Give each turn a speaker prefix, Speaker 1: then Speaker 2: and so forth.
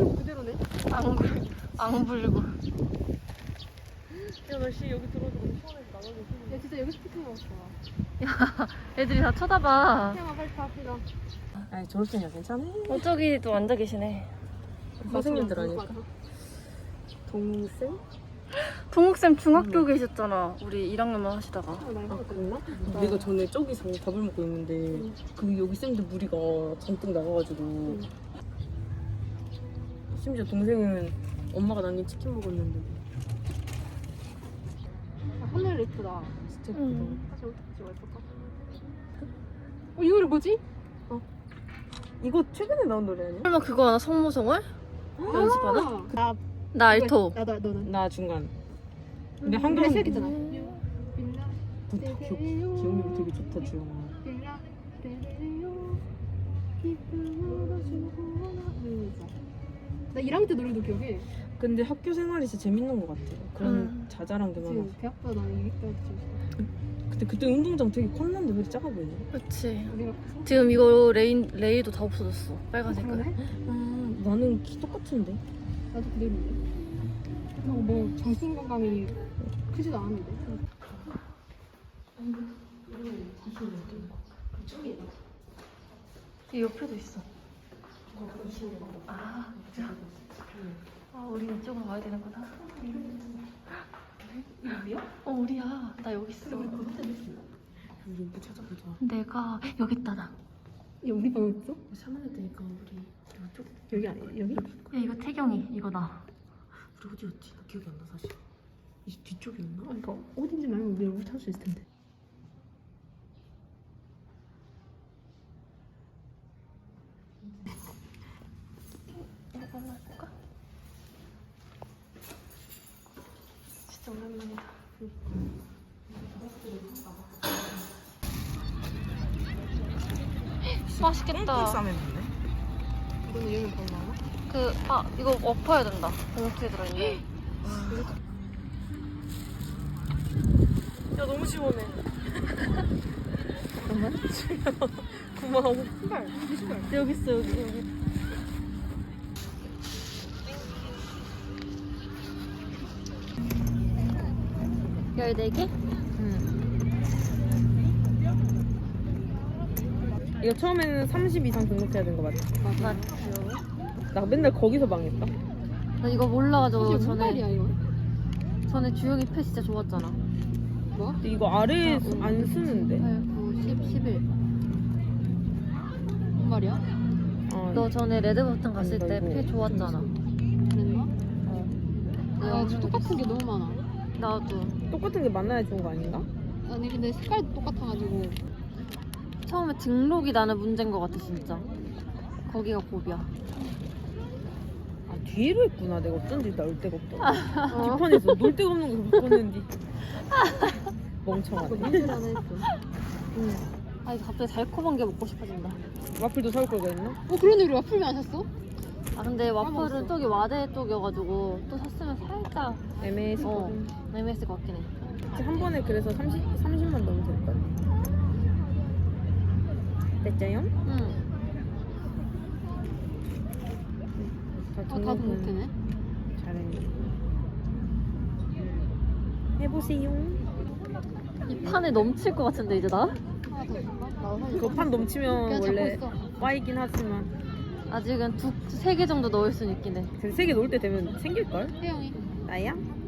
Speaker 1: 그대로네.
Speaker 2: 앙불고.
Speaker 1: 야, 날씨 여기 들어오니까 너무 시원해서 나가기 싫어. 야, 진짜 여기서 피크닉 하고 싶어.
Speaker 2: 야, 애들이 다 쳐다봐.
Speaker 1: 태양아, 빨리 다 피가. 아니, 졸업생이야, 괜찮아?
Speaker 2: 저기도 앉아 계시네.
Speaker 1: 선생님들 아닐까? 동생?
Speaker 2: 동욱쌤 중학교 계셨잖아. 우리 1학년만 하시다가.
Speaker 1: 아, 그랬나? 내가 전에 저기서 밥을 먹고 있는데 그 여기 쌤들 무리가 잔뜩 나가가지고 심지어 동생은 엄마가 남긴 치킨 먹었는데. 하늘 예쁘다. 진짜 예쁘다. 사실 어떻게 찍어 예쁠까? 이 노래 뭐지? 이거 최근에 나온 노래 아니야?
Speaker 2: 설마 그거 하나? 성모성월? 연습하나? 나 알토.
Speaker 1: 너는? 나 중간. 근데 한글 시작했잖아. 기억력 되게 좋다, 주영아. 나 1학년 때 노래도 기억해. 근데 학교 생활이 진짜 재밌는 것 같아. 그런 자잘한 게 많아. 대학보다 나는 2학년 때 근데 그때 운동장 되게 컸는데 왜 이렇게 작아 보이냐?
Speaker 2: 그치. 지금 이거 레이도 다 없어졌어. 빨간 색깔.
Speaker 1: 아, 나는 키 똑같은데. 나도 그대로인데. 뭐 정신 건강이 크지도 않은데.
Speaker 2: 이 옆에도 있어. 아, 진짜? 아, 우리 이쪽으로 와야 되는구나. 이거 우리야? 우리야. 나 여기 있어.
Speaker 1: 우리 뭐 찾아보자.
Speaker 2: 내가 여기 있다, 나.
Speaker 1: 야, 우리 방 있어? 샤먼일 때니까 우리 이쪽 여기 아니야? 여기?
Speaker 2: 야, 이거 태경이, 이거 나.
Speaker 1: 우리 어디였지? 나 기억이 안 나 사실. 이 뒤쪽이었나? 그러니까 어딘지 말면 우리 얼굴 찾을 수 있을 텐데.
Speaker 2: 이거 한번 해볼까? 진짜 오랜만이다. 맛있겠다.
Speaker 1: 이거는 여기 바로 나와?
Speaker 2: 이거 엎어야 된다. 봉투에 들어있네.
Speaker 1: 야, 너무 시원해. 잠깐만. 고마워. 신발. 이 신발.
Speaker 2: 여기 있어, 여기. 14개?
Speaker 1: 이거 처음에는 30 이상 등록해야 되는 거 맞지?
Speaker 2: 맞죠.
Speaker 1: 나 맨날 거기서 망했다.
Speaker 2: 나 이거 몰라가지고
Speaker 1: 신발이야, 이거?
Speaker 2: 전에 주영이 패 진짜 좋았잖아.
Speaker 1: 뭐? 근데 이거 아래 안 쓰는데.
Speaker 2: 8, 9, 10, 11. 뭔 말이야? 너 전에 레드버튼 갔을 때 패 좋았잖아.
Speaker 1: 그랬나?
Speaker 2: 아,
Speaker 3: 똑같은 게 너무 많아.
Speaker 2: 나도.
Speaker 1: 똑같은 게 만나야 좋은 거 아닌가?
Speaker 3: 아니 근데 색깔도 똑같아가지고.
Speaker 2: 처음에 등록이 나는 문제인 것 같아, 진짜. 거기가 고비야.
Speaker 1: 아, 뒤로 했구나. 내가 어쩐지 나올 데가 없다. 뒷판에서 놀 데가 없는 거 바꿨는데. 멍청하네.
Speaker 3: 문제라는 했어.
Speaker 2: 아니, 갑자기 달콤한 게 먹고 싶어진다.
Speaker 1: 와플도 사올 거가 있나?
Speaker 3: 그런데 우리 와플면 안 샀어?
Speaker 2: 아, 근데 와플은 저기 와대 쪽이어가지고 또 샀으면 살짝
Speaker 1: 애매해서.
Speaker 2: 애매했을 것 같긴 해.
Speaker 1: 한 번에 그래서 30만 넣으면 될 거야. 됐죠요?
Speaker 2: 응.
Speaker 3: 다 등록되네.
Speaker 1: 잘해. 해보세요.
Speaker 2: 이 판에 넘칠 것 같은데, 이제 나?
Speaker 3: 하나 더 줄까? 나도 사실
Speaker 1: 그거 판 넘치면
Speaker 3: 그냥
Speaker 1: 원래
Speaker 3: 잡고 있어.
Speaker 1: 와이긴 하지만
Speaker 2: 아직은 2, 3개 정도 넣을 수는 있긴 해.
Speaker 1: 3개 놓을 때 되면 생길걸?
Speaker 3: 혜영이.
Speaker 1: 나야?